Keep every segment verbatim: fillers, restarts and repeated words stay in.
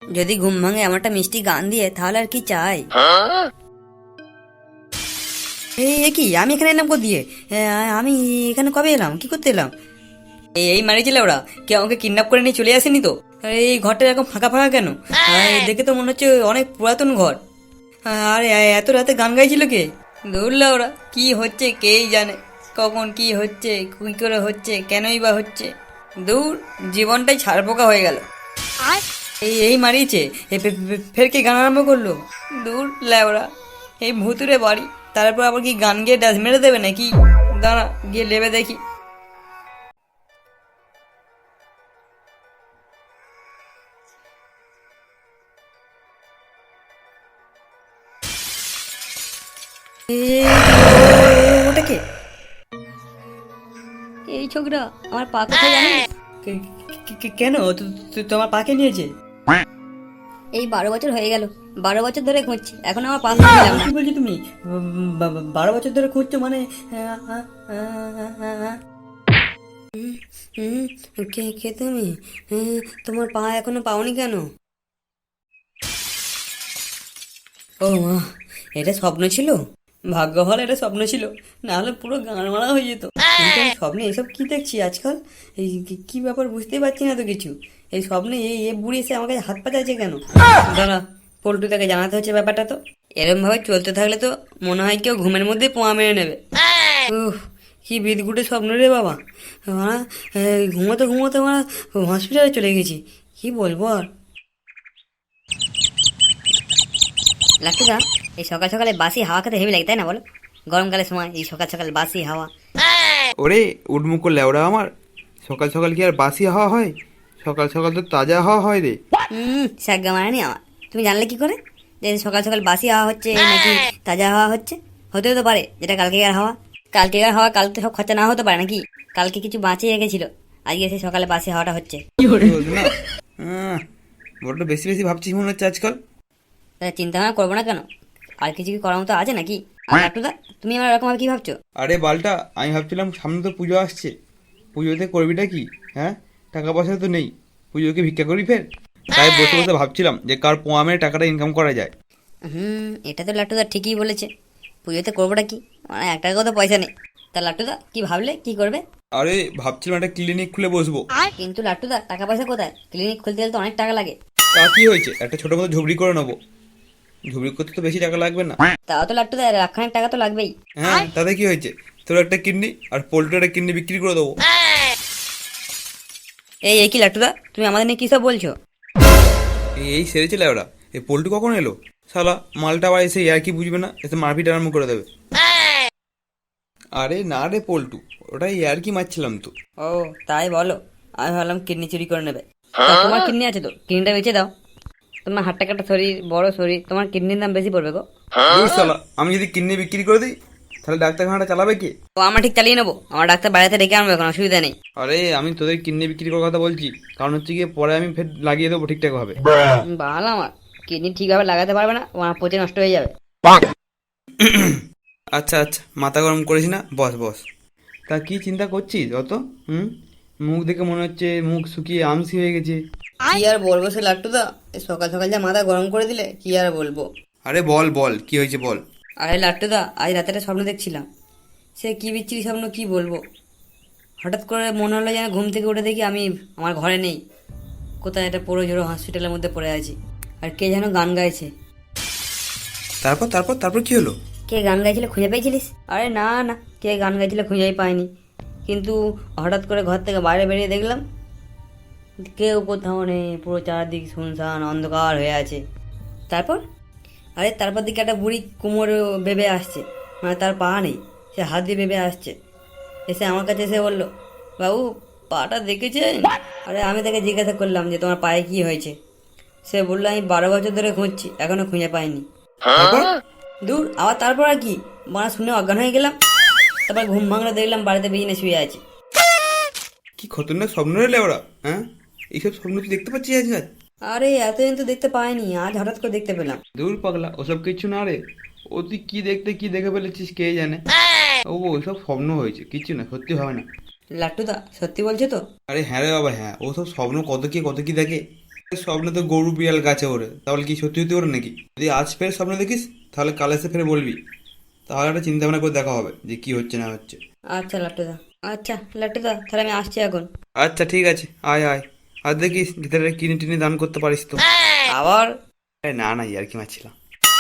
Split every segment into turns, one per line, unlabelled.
যদি ঘুম ভাঙে আমারটা মিষ্টি গান দিয়ে তাহলে আর কি চাই। এই এ কি, আমি এখানে এলাম দিয়ে? আমি এখানে কবে এলাম, কি করতে এলাম? এই এই মারিছিলে ওরা, কেউ আমাকে কিডন্যাপ করে নিয়ে চলে আসেনি তো? এই ঘরটা এরকম ফাঁকা ফাঁকা কেন? আহ, দেখে তো মনে হচ্ছে অনেক পুরাতন ঘর। আর এত রাতে গান গাইছিল কে? ধরলা ওরা, কি হচ্ছে কেই জানে, কখন কি হচ্ছে, কি করে হচ্ছে, কেনই বা হচ্ছে। দূর, জীবনটাই ছাড়পোকা হয়ে গেল। এই এই মারিয়েছে, এ ফে- ফে- ফের কি গান আরম্ভ করলো? দূর ল্যাওরা, এই ভুতুরে বাড়ি, তারপর আবার কি গান গিয়ে ডাস মেরে দেবে নাকি? দাঁড়া গিয়ে লেবে দেখি। এই, ওটা কে? এই ছোকরা, আমার পা কোথায় জানিস? কে- কে- কে- কেন তো- তো- তোমার পাকে নিয়েছে? এই বারো বছর হয়ে গেল, বারো বছর ধরে খুঁজছি, এখন আমার পা পেলাম না। কি বলছো তুমি? বা- বা- বারো বছর ধরে খুঁজছো মানে? আহ, আহ, আহ, আহ, আহ। হুম, হুম, কে কে তুমি? হ্যাঁ, তোমার পা এখনো পাওনি কেন? ও মা, এটা স্বপ্ন ছিল? ভাগ্য ভালো এটা স্বপ্ন ছিল, না হলে পুরো গান মারা হয়ে যেত। কিন্তু আমি স্বপ্নে এসব কি দেখছি আজকাল? এই কি কি ব্যাপার বুঝতেই পারছি না তো কিছু। এই স্বপ্নে এই এ বুড়ি এসে আমাকে হাত পা চাইছে কেন? দাঁড়া, পল্টু তাকে জানাতে হচ্ছে ব্যাপারটা তো। এরম ভাবে চলতে থাকলে তো মনে হয় কেউ ঘুমের মধ্যে পোয়া মেরে নেবে। উহ, কি বিদঘুটে স্বপ্ন রে বাবা। মারা, এই ঘুমোতে ঘুমোতে মারা হসপিটালে চলে গেছি, কি বলবো আর। লাট্টুদা, এই সকাল সকালে বাসি হাওয়া খেতে হেভি লাগে তাই না বলো? গরমকালের সময় এই সকাল সকাল বাসি হাওয়া।
ওরে উডমুকো লেওড়া আমার, সকাল সকাল কি আর বাসি হাওয়া হয়? সকাল সকাল তো তাজা হাওয়া হয় রে।
হুম, সাগ্গা মারানি আমার। তুমি জানলে কি করে যে সকাল সকাল বাসি হাওয়া হচ্ছে নাকি তাজা হাওয়া হচ্ছে? হতেও তো পারে যেটা কালকেকার হাওয়া। কালকেকার হাওয়া কালকে সব খরচা না হতে পারে নাকি? কালকে কিছু বাঁচিয়ে রেখেছিল, আজকে সেই সকালে বাসি হাওয়াটা হচ্ছে।
বলবি না, আহ, বড্ড বেশি বেশি ভাবছিস মনে হচ্ছে আজকাল।
তাহলে চিন্তা ভাবনা করবো না কেন? আর কিছু কি করার মতো আছে নাকি? আর লাট্টুদা, তুমি আমার এরকম ভাবে কি ভাবছো?
আরে বালটা, আমি ভাবছিলাম সামনে তো পুজো আসছে, পুজোতে করবিটা কি? হ্যাঁ, টাকা পয়সা তো নেই, পুজোকে ভিক্ষা করি ফের। তাই বসে বসে ভাবছিলাম যে কার পোয়া মেরে টাকাটা ইনকাম করা যায়।
হুম, এটা তো লাট্টুদা ঠিকই বলেছে। পুজোতে করবোটা কি, মানে এক টাকাও তো পয়সা নেই। তা লাট্টুদা কি ভাবলে, কি করবে?
আরে ভাবছিলাম একটা ক্লিনিক খুলে বসবো।
কিন্তু লাট্টুদা টাকা পয়সা কোথায়? ক্লিনিক খুলতে গেলে তো অনেক টাকা লাগে।
তা কি হয়েছে, একটা ছোট মতো ঝুবড়ি করে নেবো, ঝুবড়ি করতে তো বেশি টাকা লাগবে না।
তাও তো লাট্টুদা লাখখানেক টাকা তো লাগবেই।
হ্যাঁ, তাতে কি হয়েছে, তোর একটা কিডনি আর পোল্ট্রি একটা কিডনি বিক্রি করে দেবো।
এই এই কি লাট্টুদা, তুমি আমাদের নিয়ে কি সব বলছো?
এই এই সেরেছে ওরা, এই পোল্ট্রি কখন এলো? শালা মালটা আবার এসে আর কি বুঝবে না, এসে মারপিট আরম্ভ করে দেবে। আরে না রে পল্টু, ওটা আর কি মারছিলাম তো।
ও, তাই বলো? আমি ভাবলাম কিডনি চুরি করে নেবে। তা তোমার কিডনি আছে তো, কিডনিটা বেচে দাও। তোমার হাট্টা কাটা শরীর, বড় শরীর, তোমার কিডনির দাম বেশি পড়বে গো।
দূর শালা, আমি যদি কিডনি বিক্রি করে দিই তাহলে ডাক্তারখানাটা চালাবে কে?
তো আমরা ঠিক চালিয়ে নেবো, আমার ডাক্তার বাড়িতে ডেকে আনবো, কোনো অসুবিধা নেই।
আরে আমি তোদের কিডনি বিক্রি করার কথা বলছি, কারণ হচ্ছে গিয়ে পরে আমি ফের লাগিয়ে দেবো ঠিকঠাক ভাবে।
বাল আমার কিডনি ঠিকভাবে লাগাতে পারবে না, আমার পচে নষ্ট হয়ে যাবে।
আচ্ছা আচ্ছা, মাথা গরম করিস না, বস বস। তা কি চিন্তা করছিস অত? হুম, মুখ দেখে মনে হচ্ছে মুখ শুকিয়ে আমসি হয়ে গেছে।
কি আর বলবো সে লাট্টুদা, এই সকাল সকাল যা মাথা গরম করে দিলে, কি আর বলবো।
আরে বল বল, কি হয়েছে বল।
আরে লাট্টুদা, আজ রাতে একটা স্বপ্ন দেখছিলাম। সে কি বিচ্ছিরি স্বপ্ন, কি বলবো। হঠাৎ করে মনে হলো যেন ঘুম থেকে উঠে দেখি আমি আমার ঘরে নেই, কোথায় একটা পুরো জোড়ো হসপিটালের মধ্যে পড়ে আছি, আর কে যেন গান গাইছে।
তারপর তারপর তারপর কি হলো?
কে গান গাইছিল খুঁজে পেয়েছিলিস? আরে না না, কে গান গাইছিল খুঁজেই পাইনি, কিন্তু হঠাৎ করে ঘর থেকে বাইরে বেরিয়ে দেখলাম কেউ কোথাও নেই, পুরো চারদিক শুনশান অন্ধকার হয়ে আছে। তারপর, আরে তারপর দিকে একটা বুড়ি কোমরে বেবে আসছে, মানে তার পা নেই, সে হাত দিয়ে বেবে আসছে। এসে আমার কাছে এসে বললো, বাবু পাটা দেখেছেন? আরে আমি তাকে জিজ্ঞাসা করলাম যে তোমার পায়ে কি হয়েছে। সে বললো আমি বারো বছর ধরে খুঁজছি, এখনো খুঁজে পাইনি।
তারপর?
দূর, আবার তারপর আর কি, মানে শুনে অজ্ঞান হয়ে গেলাম। তারপর ঘুম ভাঙলে দেখলাম বাড়িতে বিছানায় শুয়ে আছি।
কি খতরনাক স্বপ্ন রে ওরা, হ্যাঁ? এইসব স্বপ্ন তুই দেখতে পাচ্ছিস আজকাল?
আরে এতদিন তো দেখতে পাইনি, আজ হঠাৎ করে দেখতে পেলাম।
দূর পাগলা, ওসব কিছু না রে। ও তুই কি দেখতে কি দেখে ফেলেছিস কে জানে। ও ওইসব স্বপ্ন হয়েছে, কিছু না, সত্যি হবে না।
লাট্টুদা সত্যি বলছো তো?
আরে হ্যাঁ রে বাবা হ্যাঁ, ওসব স্বপ্ন কত কি কত কি দেখে। স্বপ্নে তো গরু বিড়াল গাছে ওরে, তাহলে কি সত্যি সত্যি ওরে নাকি? যদি আজ ফের স্বপ্ন দেখিস তাহলে কাল এসে ফের বলবি, তাহলে একটা চিন্তা ভাবনা করে দেখা হবে যে কি হচ্ছে না হচ্ছে।
আচ্ছা লাট্টুদা, আচ্ছা লাট্টুদা, তাহলে আমি আসছি এখন।
আচ্ছা ঠিক আছে, আয় আয়। আর দেখিস ভিতরে কিনে টিনে দান করতে পারিস তো।
আবার
আরে না না, ইয়ার কি মারছিলাম।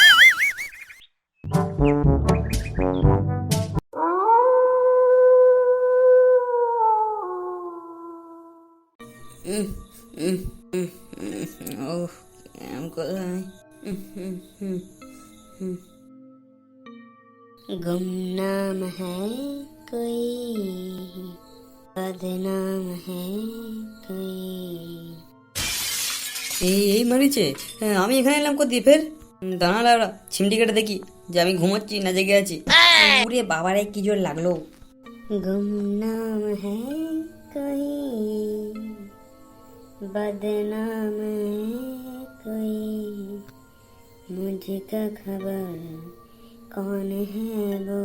উম, উম, উম, উম, ওহ কেমন কোথায় উম, উম, উম, উম। गुमनाम है कोई बदनाम है कोई। এই এই মারিছে, হ্যাঁ, আমি এখানে এলাম কোথায় ফের? দাঁড়া লাউড়া, চিমটি কেটে দেখি যে আমি ঘুমোচ্ছি না জেগে আছি। ওরে বাবারে কি জোর লাগলো। গুমনাম है कोई बदनाम है कोई मुझका खबर कौन है वो।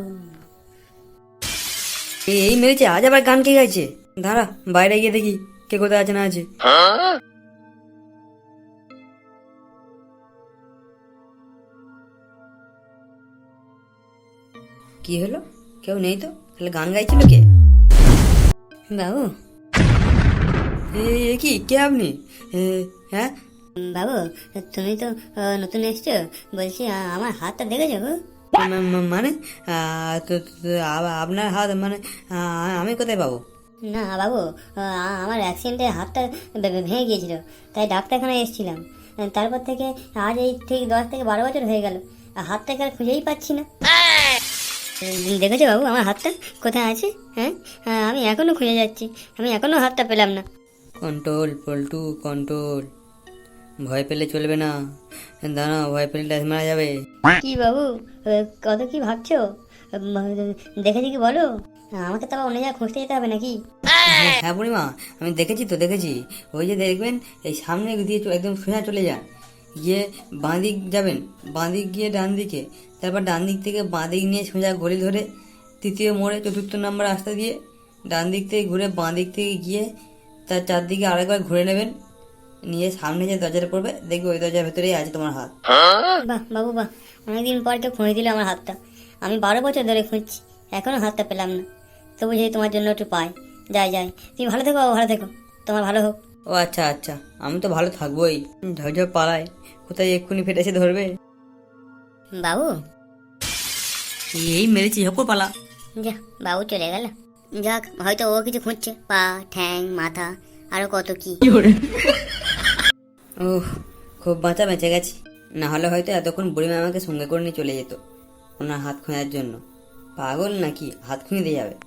এই এই মেরেছে, আজ আবার গান কে গাইছে? দাঁড়া বাইরে গিয়ে দেখি কে কোথায় আছে না আছে। কি হলো, কেউ নেই তো, তাহলে গান গাইছিল কে? বাবু, এ কি, কে আপনি? এ, হ্যাঁ বাবু, তুমি তো আহ, নতুন এসছো, বলছি আ- আমার হাতটা দেখেছো গো? মা- মা- মানে আহ, ক- ক- আ- আপনার হাত মানে আহ, আমি কোথায় পাবো? না বাবু, আ- আমার অ্যাক্সিডেন্টে হাতটা ভে- ভে- ভেঙে গিয়েছিল, তাই ডাক্তারখানায় এসেছিলাম। তারপর থেকে আজ এই ঠিক দশ থেকে বারো বছর হয়ে গেল, আর হাতটাকে আর খুঁজেই পাচ্ছি না। উম, দেখেছো বাবু আমার হাতটা কোথায় আছে? হ্যাঁ, হ্যাঁ, আমি এখনো খুঁজে যাচ্ছি, আমি এখনো হাতটা পেলাম না। কন্ট্রোল পল্টু কন্ট্রোল, ভয় পেলে চলবে না। দাঁড়া, ভয় পেলে ড্যাশ মারা যাবে। কি বাবু, আহ, কত কি ভাবছো? উম, দেখেছি কি বলো, আমাকে তো আবার অন্য জায়গায় খুঁজতে যেতে হবে নাকি? হ্যাঁ বুড়িমা, আমি দেখেছি তো দেখেছি। ওই যে দেখবেন এই সামনে দিয়ে চ- একদম সোজা চলে যান, গিয়ে বাঁ দিক যাবেন, বাঁ দিক গিয়ে ডান দিকে, তারপর ডান দিক থেকে বাঁ দিক নিয়ে সোজা গলি ধরে তৃতীয় মোড়ে চতুর্থ নম্বর রাস্তা দিয়ে ডান দিক থেকে ঘুরে বাঁ দিক থেকে গিয়ে তার চারদিকে আরেকবার ঘুরে নেবেন, নিয়ে সামনে যে দরজাটা পড়বে দেখবে ওই দরজার ভেতরেই আছে তোমার হাত। বাহ বাবু বাহ, অনেকদিন পর কেউ খুঁজে দিল আমার হাতটা। আমি বারো বছর ধরে খুঁজছি, এখনো হাতটা পেলাম না। তবু যদি তোমার জন্য একটু পাই, যাই যাই, তুমি ভালো থেকো বাবু, ভালো থেকো, তোমার ভালো হোক। ও আচ্ছা আচ্ছা, আমি তো ভালো থাকবোই। ঝরঝর পালায়, কোথায় এক্ষুনি ফেটেছে ধরবে। বাবু, এই মেরেছি, হকো পালা। যা, বাবু চলে গেল। যাক, হয়তো ও কিছু খুঁজছে, পা ঠ্যাং মাথা আরো কত কি। ওহ, খুব বাঁচা বেঁচে গেছি, না হলে হয়তো এতক্ষণ বুড়িমা আমাকে সঙ্গে করে নিয়ে চলে যেত ওনার হাত খোঁজার জন্য। পাগল নাকি, হাত খুঁজে দিয়ে যাবে?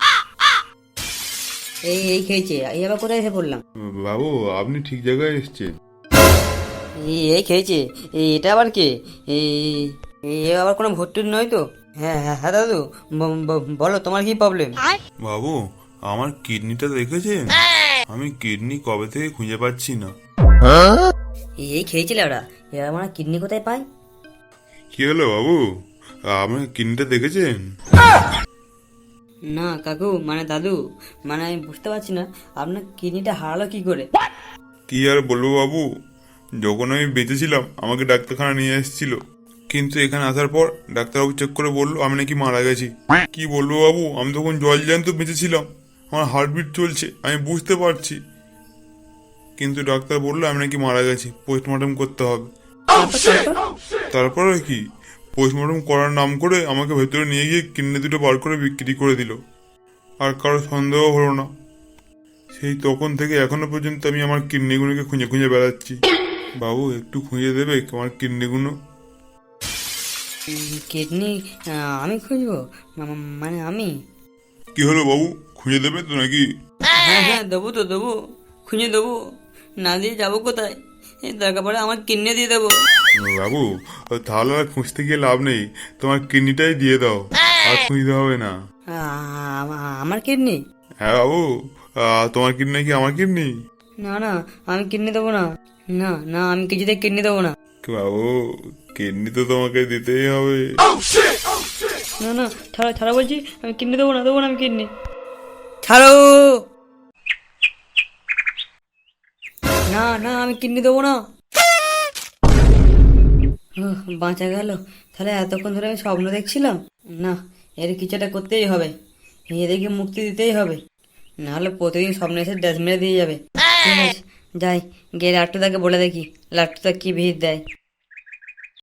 এই এই খেয়েছে, এই আবার কোথায় এসে পড়লাম?
বাবু, আপনি ঠিক জায়গায় এসেছেন।
এই এই খেয়েছে, এই এটা আবার কে? এই এই এ আবার কোনো ভর্তি নয় তো? হ্যাঁ হ্যাঁ হ্যাঁ দাদু, ব- ব- বলো তোমার কি প্রবলেম?
বাবু, আমার কিডনিটা দেখেছেন? আমি কিডনি কবে থেকে খুঁজে পাচ্ছি না।
এই খেয়েছিলে ওরা, এবার আমার কিডনি কোথায় পায়?
কি হলো বাবু, আমার কিডনিটা দেখেছেন?
না কাকু, মানে দাদু, মানে আমি বুঝতে পারছি না আপনার কিডনিটা হারালো কি করে?
কি আর বলবো বাবু, যখন আমি বেঁচে ছিলাম আমাকে ডাক্তারখানা নিয়ে এসেছিল, কিন্তু এখানে আসার পর ডাক্তারবাবু চেক করে বললো আমি নাকি মারা গেছি। কি বলবো বাবু, আমি তখন জল জ্যান্ত বেঁচে ছিলাম, আমার হার্টবিট চলছে, আমি বুঝতে পারছি, কিন্তু ডাক্তার বললো আমি নাকি মারা গেছি, পোস্টমর্টম করতে হবে। তারপরে কি, পোস্টমর্টম করার নাম করে আমাকে ভেতরে নিয়ে গিয়ে কিডনি দুটো বার করে বিক্রি করে দিল, আর কারো সন্দেহ হলো না। সেই তখন থেকে এখনো পর্যন্ত আমি আমার কিডনিগুলোকে খুঁজে খুঁজে বেড়াচ্ছি। বাবু, একটু খুঁজে দেবে আমার কিডনিগুলো?
কিডনি আমি খুঁজবো? মা- মানে আমি?
কি হলো বাবু, খুঁজে দেবে তো নাকি?
হ্যাঁ হ্যাঁ দেবো তো দেবো, খুঁজে দেবো, না দিয়ে যাবো কোথায়? এই দরকার পড়ে আমার কিডনি দিয়ে দেবো।
বাবু, তাহলে আর খুঁজতে গিয়ে লাভ নেই, তোমার কিডনিটাই দিয়ে দাও, আর খুঁজতে হবে না।
আ- আ- আমার কিডনি?
হ্যাঁ বাবু, আহ, তোমার কিডনি কি আমার কিডনি?
না না, আমি কিডনি দেবো না, না না, আমি কিছুতে কিডনি দেবো না।
বাবু, কিডনি তো তোমাকে দিতেই হবে।
না না, ছাড়ো ছাড়ো বলছি, আমি কিডনি দেবো না, দেবো না আমি কিডনি, ছাড়ো। না না আমি কিডনি দেবো না। উহ, বাঁচা গেল। তাহলে এতক্ষণ ধরে আমি স্বপ্ন দেখছিলাম। না, এর কিছু একটা করতেই হবে, এদেরকে মুক্তি দিতেই হবে, নাহলে প্রতিদিন স্বপ্নে এসে ড্যাশ মেরে দিয়ে যাবে। ঠিক আছে, যাই গিয়ে লাট্টুদাকে বলে দেখি লাট্টুদা কি ভিড় দেয়।